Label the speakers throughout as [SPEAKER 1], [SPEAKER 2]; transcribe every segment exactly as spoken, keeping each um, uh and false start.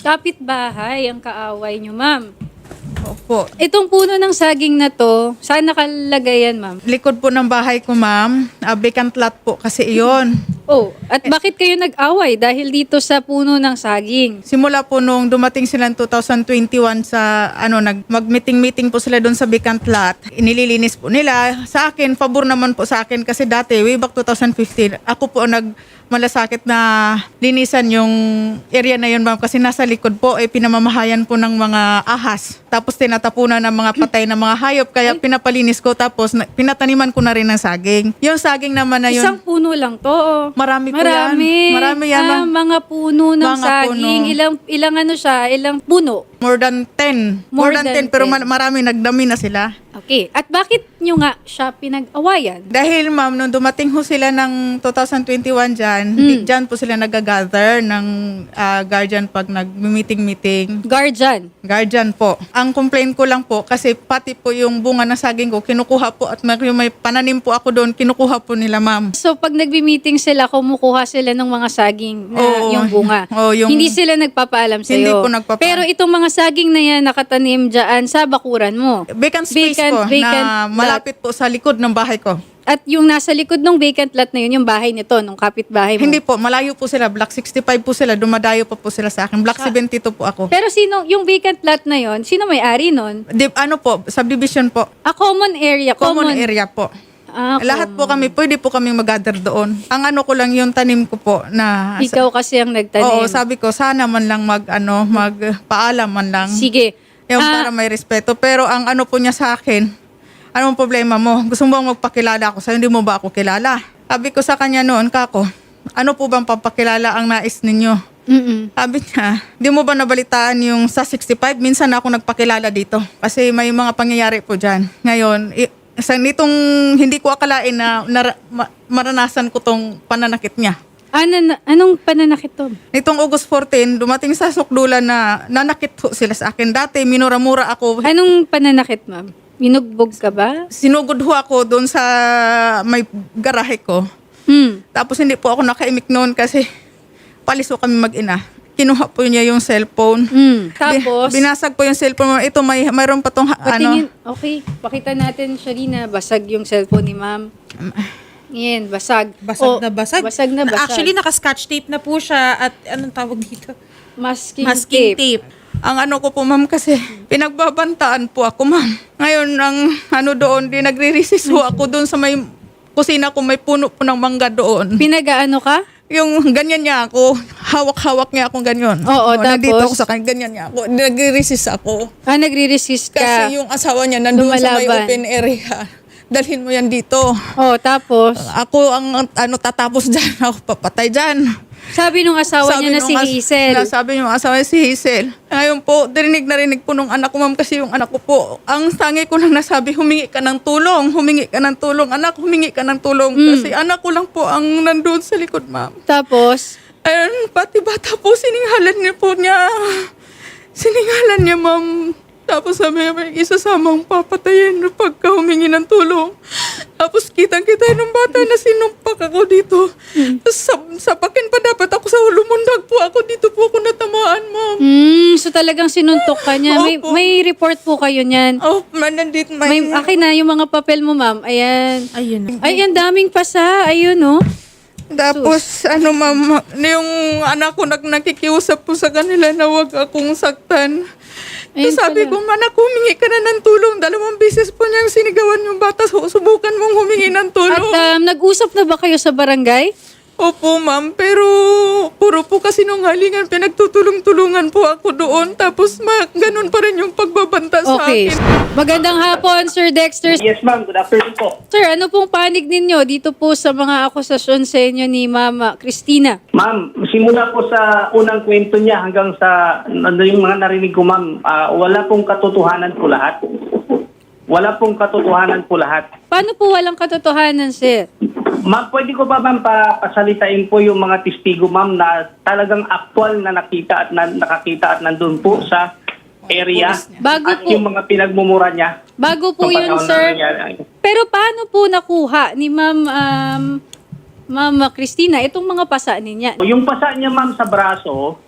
[SPEAKER 1] Kapitbahay ang kaaway nyo, ma'am.
[SPEAKER 2] Opo.
[SPEAKER 1] Itong puno ng saging na to, saan nakalagay yan, ma'am?
[SPEAKER 2] Likod po ng bahay ko, ma'am. Uh, vacant lot po kasi iyon.
[SPEAKER 1] Oh, at bakit kayo nag-away? Dahil dito sa puno ng saging.
[SPEAKER 2] Simula po nung dumating sila ng two thousand twenty-one sa ano nag mag-meeting-meeting po sila doon sa vacant lot. Inililinis po nila. Sa akin, pabor naman po sa akin kasi dati way back two thousand fifteen, ako po nag malasakit na linisan yung area na yun, ma'am, kasi nasa likod po ay eh, pinamamahayan po ng mga ahas. Tapos tinatapunan ng mga patay na mga hayop kaya pinapalinis ko tapos na, pinataniman ko na rin ng saging. Yung saging naman na yun.
[SPEAKER 1] Isang puno lang to. Oh.
[SPEAKER 2] Marami po
[SPEAKER 1] Marami.
[SPEAKER 2] yan. Marami yan.
[SPEAKER 1] Ah,
[SPEAKER 2] ma'am.
[SPEAKER 1] mga puno ng
[SPEAKER 2] Mga
[SPEAKER 1] saging.
[SPEAKER 2] puno.
[SPEAKER 1] Ilang ilang ano siya? Ilang puno?
[SPEAKER 2] More than ten.
[SPEAKER 1] More
[SPEAKER 2] More, than,
[SPEAKER 1] than
[SPEAKER 2] ten, pero
[SPEAKER 1] ten.
[SPEAKER 2] ma- marami nagdami na sila.
[SPEAKER 1] Okay. At bakit nyo nga siya pinag-awayan?
[SPEAKER 2] Dahil ma'am, nung dumating ho sila ng two thousand twenty-one dyan,
[SPEAKER 1] Mm.
[SPEAKER 2] di- dyan po sila nag-gather ng ah, guardian pag nag-meeting-meeting.
[SPEAKER 1] Guardian.
[SPEAKER 2] Guardian po. Ang complaint ko lang po, kasi pati po yung bunga ng saging ko, kinukuha po at may, yung may pananim po ako doon, kinukuha po nila, ma'am.
[SPEAKER 1] So, pag nagbi-meeting sila, kumukuha sila ng mga saging na
[SPEAKER 2] Oo.
[SPEAKER 1] yung bunga.
[SPEAKER 2] Oo, yung-
[SPEAKER 1] Hindi sila nagpapaalam sa'yo.
[SPEAKER 2] Hindi po nagpapa-
[SPEAKER 1] Pero itong mga saging na yan nakatanim dyan sa bakuran mo.
[SPEAKER 2] Vacant space
[SPEAKER 1] Vacant-
[SPEAKER 2] po
[SPEAKER 1] vacant
[SPEAKER 2] na
[SPEAKER 1] lot.
[SPEAKER 2] malapit po sa likod ng bahay ko.
[SPEAKER 1] At yung nasa likod ng vacant lot na yun, yung bahay nito, nung kapitbahay mo.
[SPEAKER 2] Hindi po, malayo po sila. Block sixty-five po sila. Dumadayo pa po sila sa akin. Block seventy-two po ako.
[SPEAKER 1] Pero sino, yung vacant lot na yun, sino may-ari nun?
[SPEAKER 2] Di, ano po, subdivision po.
[SPEAKER 1] A common area.
[SPEAKER 2] Common, area po.
[SPEAKER 1] Ah,
[SPEAKER 2] Lahat po kami, pwede po kami mag-gather doon. Ang ano ko lang yung tanim ko po na...
[SPEAKER 1] Ikaw kasi ang nagtanim.
[SPEAKER 2] Oo, sabi ko, sana man lang mag, ano, magpaalam man lang.
[SPEAKER 1] Sige.
[SPEAKER 2] Yung
[SPEAKER 1] Ah,
[SPEAKER 2] para may respeto. Pero ang ano po niya sa akin, anong problema mo? Gusto mo bang magpakilala ako sa'yo? Hindi mo ba ako kilala? Sabi ko sa kanya noon, kako, ano po bang papakilala ang nais ninyo?
[SPEAKER 1] mm-mm.
[SPEAKER 2] Sabi niya, di mo ba nabalitaan yung sa sixty-five? Minsan na ako nagpakilala dito. Kasi may mga pangyayari po dyan. Ngayon, i- sa nitong hindi ko akalain na, na ma- maranasan ko tong pananakit niya.
[SPEAKER 1] Ano, na- anong pananakit to?
[SPEAKER 2] Nitong August fourteen, dumating sa sukdulan na nanakit ho sila sa akin. Dati, minura-mura ako.
[SPEAKER 1] Anong pananakit, ma'am? Minugbog ka ba?
[SPEAKER 2] Sinugod ho ako doon sa may garahe ko.
[SPEAKER 1] Hmm.
[SPEAKER 2] Tapos hindi po ako nakaimik noon kasi palis ho kami mag-ina. Kinuha po niya yung cellphone.
[SPEAKER 1] Hmm. Tapos,
[SPEAKER 2] Bi- binasag po yung cellphone. Ito, may mayroon pa tong ha-
[SPEAKER 1] patingin,
[SPEAKER 2] ano.
[SPEAKER 1] okay, pakita natin, Sharina, basag yung cellphone ni ma'am. Yan, basag.
[SPEAKER 3] Basag
[SPEAKER 1] O,
[SPEAKER 3] na basag.
[SPEAKER 1] Basag na basag.
[SPEAKER 3] Actually, naka-scotch tape na po siya at anong tawag dito?
[SPEAKER 1] masking,
[SPEAKER 3] Masking
[SPEAKER 1] tape.
[SPEAKER 3] tape.
[SPEAKER 2] Ang ano ko po, ma'am, kasi pinagbabantaan po ako, ma'am. Ngayon, ang ano doon, di nagre-resist ho ako doon sa may kusina ko, may puno po ng mangga doon.
[SPEAKER 1] Pinag-ano ka?
[SPEAKER 2] Yung ganyan niya ako, hawak-hawak niya ako ganyan.
[SPEAKER 1] Oo,
[SPEAKER 2] Nandito
[SPEAKER 1] tapos?
[SPEAKER 2] ako sa kanya, ganyan niya ako. Nagre-resist ako.
[SPEAKER 1] Ah, nagre-resist ka.
[SPEAKER 2] Kasi yung asawa niya nandun sa may
[SPEAKER 1] Lumalaban.
[SPEAKER 2] open area. Dalhin mo yan dito.
[SPEAKER 1] Oh, tapos,
[SPEAKER 2] Ako ang ano tatapos dyan, ako papatay dyan.
[SPEAKER 1] sabi nung asawa niya na
[SPEAKER 2] nung
[SPEAKER 1] si
[SPEAKER 2] as-
[SPEAKER 1] Hazel.
[SPEAKER 2] na sabi yung asawa niya si Hazel. Ngayon po, dirinig na rinig po nung anak ko, ma'am, kasi yung anak ko po, ang tangi ko lang nasabi, humingi ka ng tulong, humingi ka ng tulong. Anak, humingi ka ng tulong.
[SPEAKER 1] Mm.
[SPEAKER 2] Kasi anak ko lang po ang nandun sa likod, ma'am.
[SPEAKER 1] Tapos,
[SPEAKER 2] Ayun, pati bata po, sininghalan niya po niya. Sininghalan niya, ma'am. Tapos sabi niya, may isasamang papatayin pagka humingi ng tulong. Tapos kitang-kita ng bata na sinumpak ako dito. Tapos sab- sapakin pa dapat ako sa lumundag po ako. Dito po ako natamaan, ma'am.
[SPEAKER 1] hmm, so talagang sinuntok ka niya. May,
[SPEAKER 2] Opo.
[SPEAKER 1] may report po kayo niyan.
[SPEAKER 2] Oh, man, nandito.
[SPEAKER 1] May, akin na yung mga papel mo, ma'am. Ayan.
[SPEAKER 3] Ayun.
[SPEAKER 1] Ay, ang daming pasa. Ayun, oh.
[SPEAKER 2] Tapos, ano, ma'am, yung anak ko nag nakikiusap po sa kanila na wag akong saktan.
[SPEAKER 1] Ayun
[SPEAKER 2] Tapos sabi
[SPEAKER 1] pala.
[SPEAKER 2] ko, anak, humingi ka na ng tulong. Dalawang beses po niyang sinigawan yung bata. So, subukan mong humingi ng
[SPEAKER 1] At
[SPEAKER 2] tulong.
[SPEAKER 1] um, nag-usap na ba kayo sa barangay?
[SPEAKER 2] Opo, ma'am. Pero, puro po kasi nung halingan, pinagtutulong-tulungan po ako doon. Tapos, ma- ganun pa rin yung pagbabanta sa
[SPEAKER 1] Okay.
[SPEAKER 2] akin.
[SPEAKER 1] Magandang hapon, Sir Dexter.
[SPEAKER 4] Yes, ma'am. Good afternoon po.
[SPEAKER 1] Sir, ano pong panig ninyo dito po sa mga akusasyon sa inyo ni Mama Christina?
[SPEAKER 4] Ma'am, simula po sa unang kwento niya hanggang sa ano yung mga narinig ko, ma'am, ah, wala pong katotohanan po lahat. Wala pong katotohanan po lahat.
[SPEAKER 1] Paano po walang katotohanan, sir?
[SPEAKER 4] Ma'am, pwede ko ba, ma'am, pa, pasalitain po yung mga testigo, ma'am, na talagang aktual na nakita at na, nakakita at nandun po sa area
[SPEAKER 1] Bago
[SPEAKER 4] at
[SPEAKER 1] po.
[SPEAKER 4] yung mga pinagmumura niya.
[SPEAKER 1] Bago po
[SPEAKER 4] Nung
[SPEAKER 1] yun,
[SPEAKER 4] panahon na
[SPEAKER 1] sir.
[SPEAKER 4] nangyari.
[SPEAKER 1] Pero paano po nakuha ni Ma'am um, Mama Christina itong mga pasa niya?
[SPEAKER 4] Yung pasa niya, ma'am, sa braso,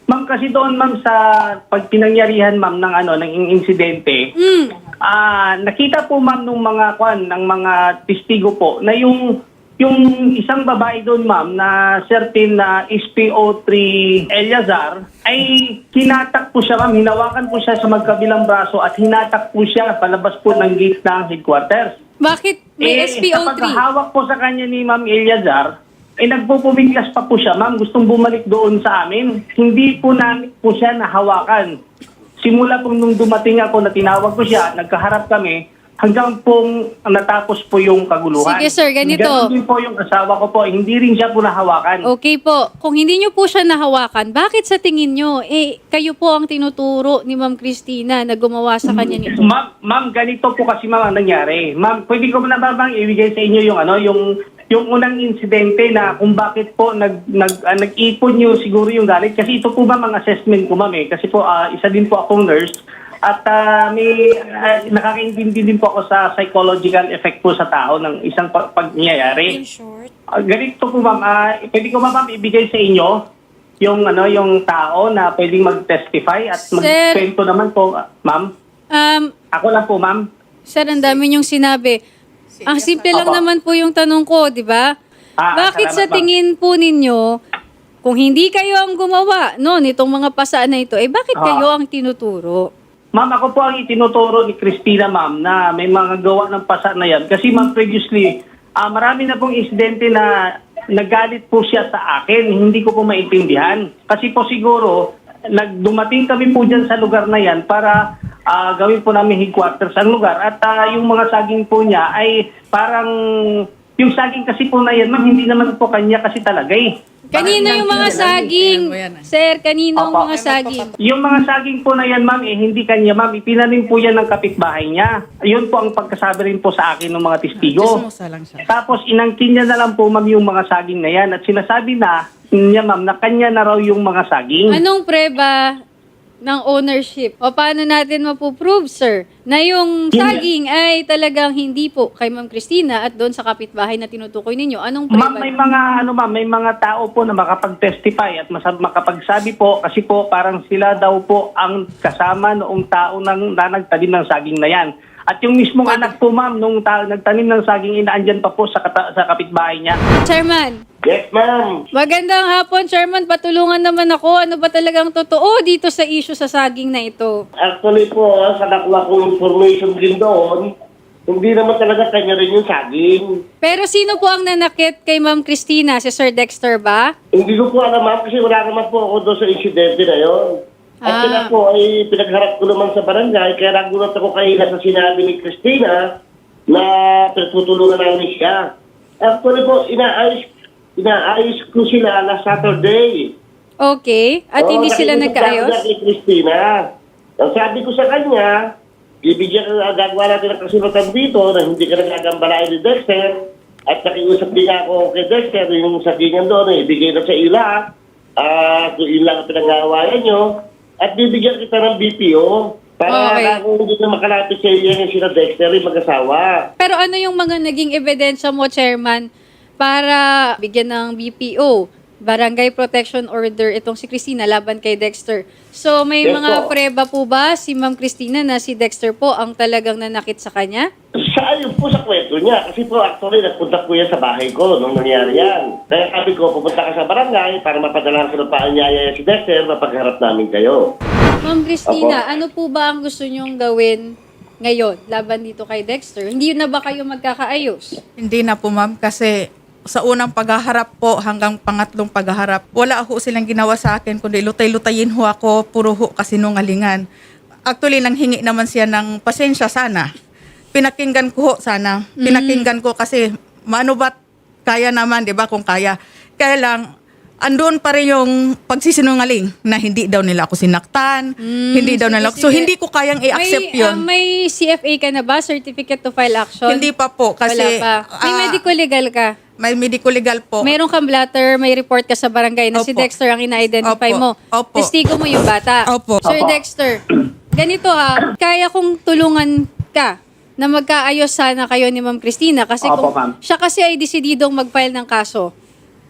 [SPEAKER 4] Ma'am, kasi doon, ma'am, sa pag pinangyarihan, ma'am, ng ano, ng insidente,
[SPEAKER 1] Mm.
[SPEAKER 4] ah, nakita po, ma'am, nung mga kwan, ng mga testigo po, na yung yung isang babae doon, ma'am, na certain na S P O three Eliazar, ay hinatak po siya, ma'am, hinawakan po siya sa magkabilang braso at hinatak po siya palabas po ng gate ng headquarters.
[SPEAKER 1] Bakit may
[SPEAKER 4] Eh,
[SPEAKER 1] S P O
[SPEAKER 4] sa
[SPEAKER 1] three?
[SPEAKER 4] paghahawak po sa kanya ni Ma'am Eliazar, eh nagpupumiglas pa po siya, ma'am. Gustong bumalik doon sa amin. Hindi po namin po siya nahawakan. Simula po nung dumating ako na tinawag ko siya, nagkaharap kami, hanggang pong natapos po yung kaguluhan.
[SPEAKER 1] Sige, sir, ganito.
[SPEAKER 4] Ganun din po yung asawa ko po. Hindi rin siya po nahawakan.
[SPEAKER 1] Okay po. Kung hindi nyo po siya nahawakan, bakit sa tingin nyo, eh, kayo po ang tinuturo ni Ma'am Christina na gumawa sa kanya nito?
[SPEAKER 4] Ma'am, ma'am, ganito po kasi ma'am ang nangyari. Ma'am, pwede ko na ba bang ibigay sa inyo yung ano, yung yung unang insidente na kung bakit po nag nag ah, nag-ipon niyo siguro yung galit kasi ito po ba mga assessment ko, ma'am, eh. Kasi po ah, isa din po akong nurse at ah, may ah, nakakaintindi din po ako sa psychological effect po sa tao ng isang pag- pagyayari.
[SPEAKER 3] In short.
[SPEAKER 4] Ah, ganito po, ma'am, ah, pwede ko ba ma'am ibigay sa inyo yung ano yung tao na pwedeng mag-testify at
[SPEAKER 1] Sir.
[SPEAKER 4] magkwento naman po, ah, ma'am.
[SPEAKER 1] Um,
[SPEAKER 4] Ako lang po, ma'am.
[SPEAKER 1] sir, ang dami nyong sinabi. Ang simple lang
[SPEAKER 4] Opo.
[SPEAKER 1] naman po yung tanong ko, di ba?
[SPEAKER 4] Ah,
[SPEAKER 1] Bakit sa
[SPEAKER 4] salamat, ma'am.
[SPEAKER 1] tingin po ninyo, kung hindi kayo ang gumawa, no, nitong mga pasaan na ito, eh bakit
[SPEAKER 4] Ah.
[SPEAKER 1] kayo ang tinuturo?
[SPEAKER 4] Ma'am, ako po ang itinuturo ni Christina, ma'am, na may mga gawa ng pasa na yan. Kasi, ma'am, previously, ah marami na pong insidente na nagalit po siya sa akin. Hindi ko po maintindihan. Kasi po siguro, nagdumating kami po dyan sa lugar na yan para ah, gawin po namin headquarters ang lugar. At ah, yung mga saging po niya ay parang, yung saging kasi po na yan, ma'am, hindi naman po kanya kasi talaga eh.
[SPEAKER 1] Kanino
[SPEAKER 4] Parang
[SPEAKER 1] yung mga
[SPEAKER 4] lang-
[SPEAKER 1] saging?
[SPEAKER 2] Ayan mo yan, ah.
[SPEAKER 1] Sir, kanino ang
[SPEAKER 4] Opo.
[SPEAKER 1] mga saging?
[SPEAKER 4] Yung mga saging po na yan, ma'am, eh, hindi kanya, ma'am. Ipinanim po yan ng kapitbahay niya. Yun po ang pagkasabi rin po sa akin ng mga testigo.
[SPEAKER 2] Chismosa lang siya.
[SPEAKER 4] Tapos inangkin niya na lang po, ma'am, yung mga saging na yan. At sinasabi na niya, ma'am, na kanya na raw yung mga saging.
[SPEAKER 1] Anong preba ng ownership? O paano natin mapuprove, sir, na yung
[SPEAKER 4] Hindi.
[SPEAKER 1] saging ay talagang hindi po kay Ma'am Christina at doon sa kapitbahay na tinutukoy ninyo? Anong preba?
[SPEAKER 4] Ma'am, may mga ano ma'am, may mga tao po na makapag-testify at masab- makapagsabi po kasi po parang sila daw po ang kasama noong tao nang na nagtanim ng saging na yan. At yung mismong anak po, ma'am, nung ta- nagtanim ng saging, inaandyan pa po sa, kata- sa kapitbahay niya.
[SPEAKER 1] Chairman,
[SPEAKER 5] Yes, ma'am.
[SPEAKER 1] magandang hapon, Chairman. Patulungan naman ako. Ano ba talagang totoo dito sa issue sa saging na ito?
[SPEAKER 5] Actually po, sa nakuha kong information din doon, hindi naman talaga kanya rin yung saging.
[SPEAKER 1] Pero sino po ang nanakit kay Ma'am Christina? Si Sir Dexter ba?
[SPEAKER 5] Hindi ko po alam, ma'am, kasi wala naman po ako doon sa insidente na yun. At
[SPEAKER 1] Ah.
[SPEAKER 5] sila po ay pinagharap ko naman sa barangay, kaya nagulat ako kanina sa sinabi ni Christina na pinagtutulungan namin siya. Actually po, inaayos, inaayos ko sila last Saturday.
[SPEAKER 1] Okay. At
[SPEAKER 5] Oo,
[SPEAKER 1] hindi sila
[SPEAKER 5] nakiusap
[SPEAKER 1] nagkaayos?
[SPEAKER 5] ako kay Christina. Ang sabi ko sa kanya, ibigyan ka, gagawa natin ang kasulatan dito na hindi ka nagagambalain ni Dexter. At nakiusap din ako kay Dexter, yung sagingan doon, eh, ibigay na sa ila. Ah, kung ilang ang pinag-aawayan nyo. At bibigyan kita ng B P O. Para
[SPEAKER 1] Okay.
[SPEAKER 5] na kung hindi na makalapit sa iyo yung sila Dexter, yung mag-asawa.
[SPEAKER 1] Pero ano yung mga naging ebidensya mo, Chairman, para bigyan ng B P O, Barangay Protection Order, itong si Christina laban kay Dexter? So may
[SPEAKER 5] Yes,
[SPEAKER 1] mga
[SPEAKER 5] po.
[SPEAKER 1] preba po ba si Ma'am Christina na si Dexter po ang talagang nanakit sa kanya?
[SPEAKER 5] Sa ayon po sa kwento niya, kasi po actually nagpunta po yan sa bahay ko nung nangyari yan. Kaya sabi ko, pupunta ka sa barangay para mapadalahan ko ng paanyaya si Dexter, mapagharap namin kayo.
[SPEAKER 1] Ma'am Christina, ano po ba ang gusto nyong gawin ngayon laban dito kay Dexter? Hindi na ba kayo magkakaayos?
[SPEAKER 2] Hindi na po, ma'am, kasi sa unang paghaharap po hanggang pangatlong paghaharap, wala ho silang ginawa sa akin, kundi lutay-lutayin ho ako, puro ho kasinungalingan. Actually, nanghingi naman siya ng pasensya sana. Pinakinggan ko ho sana. Pinakinggan ko kasi, maano ba't kaya naman, di ba, kung kaya. Kaya lang, andun pa rin yung pagsisinungaling na hindi daw nila ako sinaktan, hindi daw
[SPEAKER 1] sige,
[SPEAKER 2] nila
[SPEAKER 1] sige.
[SPEAKER 2] So, hindi ko kayang i-accept
[SPEAKER 1] may,
[SPEAKER 2] yun.
[SPEAKER 1] ah, may C F A ka na ba? Certificate to File Action?
[SPEAKER 2] Hindi pa po, kasi...
[SPEAKER 1] Wala pa. May
[SPEAKER 2] ah,
[SPEAKER 1] medical legal ka?
[SPEAKER 2] may medical legal po.
[SPEAKER 1] Mayroon kang blatter, may report ka sa barangay na si
[SPEAKER 2] Opo.
[SPEAKER 1] Dexter ang ina-identify
[SPEAKER 2] Opo.
[SPEAKER 1] mo.
[SPEAKER 2] Opo.
[SPEAKER 1] Testigo mo yung bata.
[SPEAKER 2] Opo.
[SPEAKER 1] Sir
[SPEAKER 4] Opo.
[SPEAKER 1] Dexter, ganito ha, kaya kong tulungan ka na magkaayos sana kayo ni Ma'am Christina kasi
[SPEAKER 4] Opo,
[SPEAKER 1] kung
[SPEAKER 4] ma'am.
[SPEAKER 1] siya kasi ay desididong mag-file ng kaso.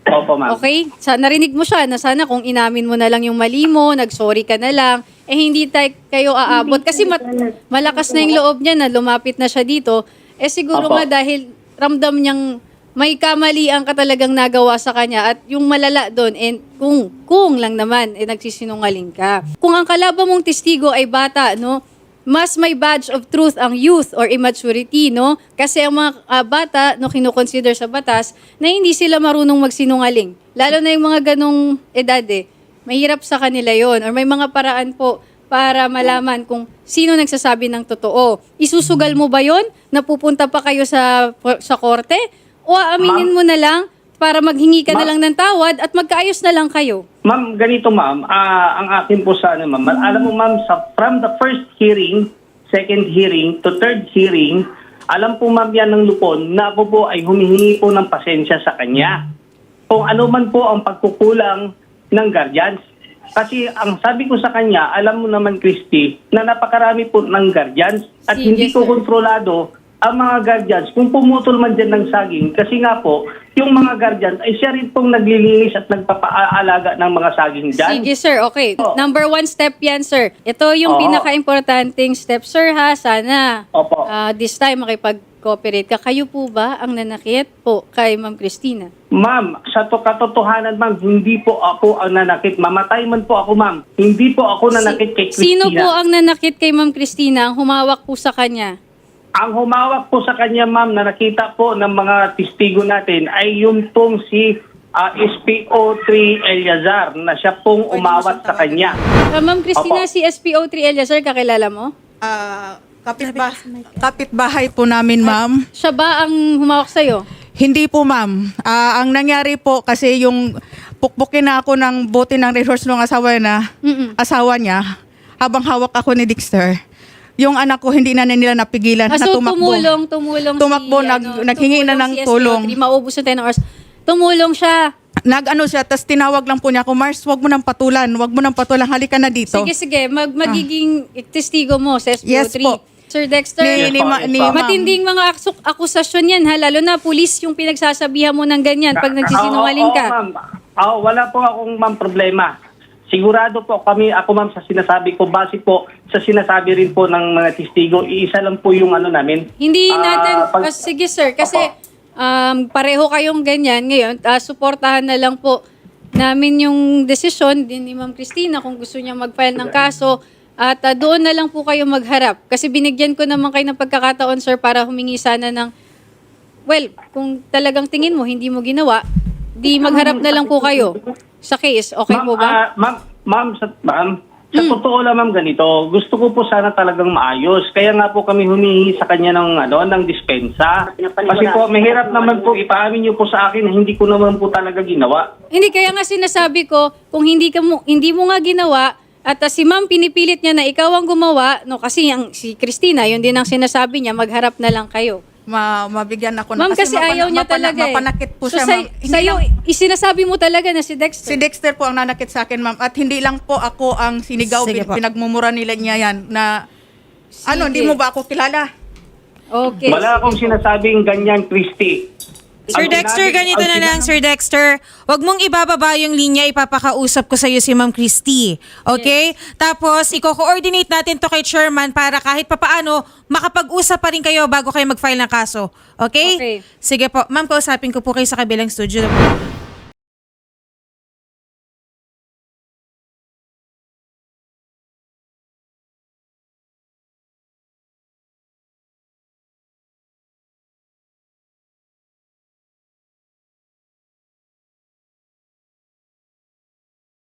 [SPEAKER 4] Opo, ma'am.
[SPEAKER 1] Okay? Sa, narinig mo siya na sana kung inamin mo na lang yung mali mo, nag-sorry ka na lang, eh hindi tayo kayo aabot. Kasi mat- malakas na yung loob niya na lumapit na siya dito. Eh siguro
[SPEAKER 4] Opo.
[SPEAKER 1] nga dahil ramdam niyang may kamalian ka talagang nagawa sa kanya at yung malala doon, eh, kung, kung lang naman, eh nagsisinungaling ka. Kung ang kalaban mong testigo ay bata, no? Mas may badge of truth ang youth or immaturity, no? Kasi ang mga ah, bata, no, kinukonsider sa batas na hindi sila marunong magsinungaling. Lalo na yung mga ganong edad, eh. Mahirap sa kanila yon or may mga paraan po para malaman kung sino nagsasabi ng totoo. Isusugal mo ba yon na pupunta pa kayo sa sa korte? O aaminin mo na lang para maghingi ka na
[SPEAKER 4] Ma'am.
[SPEAKER 1] lang ng tawad at magkaayos na lang kayo?
[SPEAKER 4] Ma'am, ganito ma'am, ah, ang akin po sa ano ma'am, alam mo ma'am, sa, from the first hearing, second hearing, to third hearing, alam po ma'am yan ng lupon na ako po ay humihingi po ng pasensya sa kanya. Kung ano man po ang pagkukulang ng guardians. Kasi ang sabi ko sa kanya, alam mo naman Christy, na napakarami po ng guardians at
[SPEAKER 1] Sige,
[SPEAKER 4] hindi ko
[SPEAKER 1] sir.
[SPEAKER 4] kontrolado ang mga guardians kung pumutol man dyan ng saging. Kasi nga po, yung mga guardians ay siya rin pong naglilinis at nagpapaalaga ng mga saging dyan.
[SPEAKER 1] Sige, sir. Okay.
[SPEAKER 4] Opo.
[SPEAKER 1] Number one step yan, sir. Ito yung
[SPEAKER 4] Oo.
[SPEAKER 1] pinaka-importanting step, sir, ha? Sana
[SPEAKER 4] Opo.
[SPEAKER 1] ah, this time makipag-cooperate ka. Kayo po ba ang nanakit po kay Ma'am Christina?
[SPEAKER 4] Ma'am, sa to katotohanan ma'am, hindi po ako ang nanakit. Mamatay man po ako ma'am. Hindi po ako nanakit kay Christina.
[SPEAKER 1] Sino po ang nanakit kay Ma'am Christina ang humawak po sa kanya?
[SPEAKER 4] Ang humawak po sa kanya ma'am na nakita po ng mga testigo natin ay yung pong si ah, S P O three Eliazar na siya pong umawat sa kanya.
[SPEAKER 1] Ah, Ma'am Christina,
[SPEAKER 4] Opo.
[SPEAKER 1] si S P O three Eliazar, kakilala mo?
[SPEAKER 2] Ah, kapitba- kapitbahay po namin, ma'am.
[SPEAKER 1] Siya ba ang humawak sa'yo?
[SPEAKER 2] Hindi po, ma'am. Ah, ang nangyari po kasi yung pukpukin na ako ng bote ng resource ng asawa na
[SPEAKER 1] Mm-mm.
[SPEAKER 2] asawa niya habang hawak ako ni Dexter. Yung anak ko hindi na nila napigilan
[SPEAKER 1] Ah,
[SPEAKER 2] na
[SPEAKER 1] so
[SPEAKER 2] tumakbo.
[SPEAKER 1] tumulong, tumulong
[SPEAKER 2] Tumakbo,
[SPEAKER 1] si,
[SPEAKER 2] nag-
[SPEAKER 1] ano,
[SPEAKER 2] naghingi na ng
[SPEAKER 1] tumulong si S P O
[SPEAKER 2] tulong.
[SPEAKER 1] three, maubos na tayo ng oras. Tumulong siya.
[SPEAKER 2] Nag-ano siya, tapos tinawag lang po niya ako, Mars, wag mo nang patulan, wag mo nang patulan, halika na dito.
[SPEAKER 1] Sige, sige. Mag magiging testigo mo sa S P O
[SPEAKER 2] Yes
[SPEAKER 1] three.
[SPEAKER 2] po.
[SPEAKER 1] Sir Dexter,
[SPEAKER 2] Ni, ni, ma-
[SPEAKER 4] Yes,
[SPEAKER 2] ni,
[SPEAKER 4] ma'am.
[SPEAKER 2] ma'am.
[SPEAKER 1] matinding mga aksok, akusasyon yan, ha? Lalo na pulis yung pinagsasabihan mo ng ganyan pag nagsisinungaling
[SPEAKER 4] Oo,
[SPEAKER 1] ka.
[SPEAKER 4] oo, ma'am. Oo, wala po akong ma'am problema. Sigurado po kami, ako ma'am, sa sinasabi ko, base po sa sinasabi rin po ng mga testigo, iisa lang po yung ano namin.
[SPEAKER 1] Hindi
[SPEAKER 4] Ah,
[SPEAKER 1] natin,
[SPEAKER 4] pag-
[SPEAKER 1] ah, sige sir, kasi
[SPEAKER 4] Opo.
[SPEAKER 1] um, pareho kayong ganyan ngayon, ah, suportahan na lang po namin yung desisyon din ni Ma'am Christina kung gusto niya mag-file ng kaso at ah, doon na lang po kayo magharap. Kasi binigyan ko naman kayo ng pagkakataon sir para humingi sana ng, well, kung talagang tingin mo hindi mo ginawa, di magharap na lang po kayo sa case. Okay
[SPEAKER 4] Ma'am,
[SPEAKER 1] po ba?
[SPEAKER 4] ah, ma'am, ma'am, sa, ma'am, sa totoo lang ma'am ganito, gusto ko po sana talagang maayos. Kaya nga po kami humihingi sa kanya ng, ano, ng dispensa. Kasi po, mahirap naman po, ipaamin niyo po sa akin na hindi ko naman po talaga ginawa.
[SPEAKER 1] Hindi, kaya nga sinasabi ko, kung hindi ka mo, hindi mo nga ginawa, at uh, si ma'am pinipilit niya na ikaw ang gumawa, no, kasi ang, si Christina, yun din ang sinasabi niya, magharap na lang kayo.
[SPEAKER 2] Ma, mabigyan ako
[SPEAKER 1] Ma'am, kasi,
[SPEAKER 2] mapana-
[SPEAKER 1] ayaw niya
[SPEAKER 2] mapana-
[SPEAKER 1] talaga eh.
[SPEAKER 2] Mapanakit po
[SPEAKER 1] So,
[SPEAKER 2] siya,
[SPEAKER 1] sa,
[SPEAKER 2] ma'am. Hindi
[SPEAKER 1] sa'yo,
[SPEAKER 2] lang-
[SPEAKER 1] isinasabi mo talaga na si Dexter.
[SPEAKER 2] Si Dexter po ang nanakit sa akin, ma'am. At hindi lang po ako ang sinigaw,
[SPEAKER 3] Sige
[SPEAKER 2] bin-
[SPEAKER 3] po.
[SPEAKER 2] pinagmumura nila niya yan na, ano, hindi mo ba ako kilala?
[SPEAKER 1] Okay.
[SPEAKER 4] Wala akong sinasabing ganyan, Christy.
[SPEAKER 3] Sir
[SPEAKER 4] Ang
[SPEAKER 3] Dexter,
[SPEAKER 4] sinabi-
[SPEAKER 3] ganito
[SPEAKER 4] ang
[SPEAKER 3] na lang,
[SPEAKER 4] sinabi-
[SPEAKER 3] Sir Dexter. Huwag mong ibababa yung linya, ipapakausap ko sa iyo si Ma'am Christy. Okay? Tapos, i-coordinate natin to kay Chairman para kahit papaano, makapag-usap pa rin kayo bago kayo mag-file ng kaso. Okay?
[SPEAKER 1] Okay.
[SPEAKER 3] Sige po. Ma'am, kausapin ko po kayo sa kabilang studio.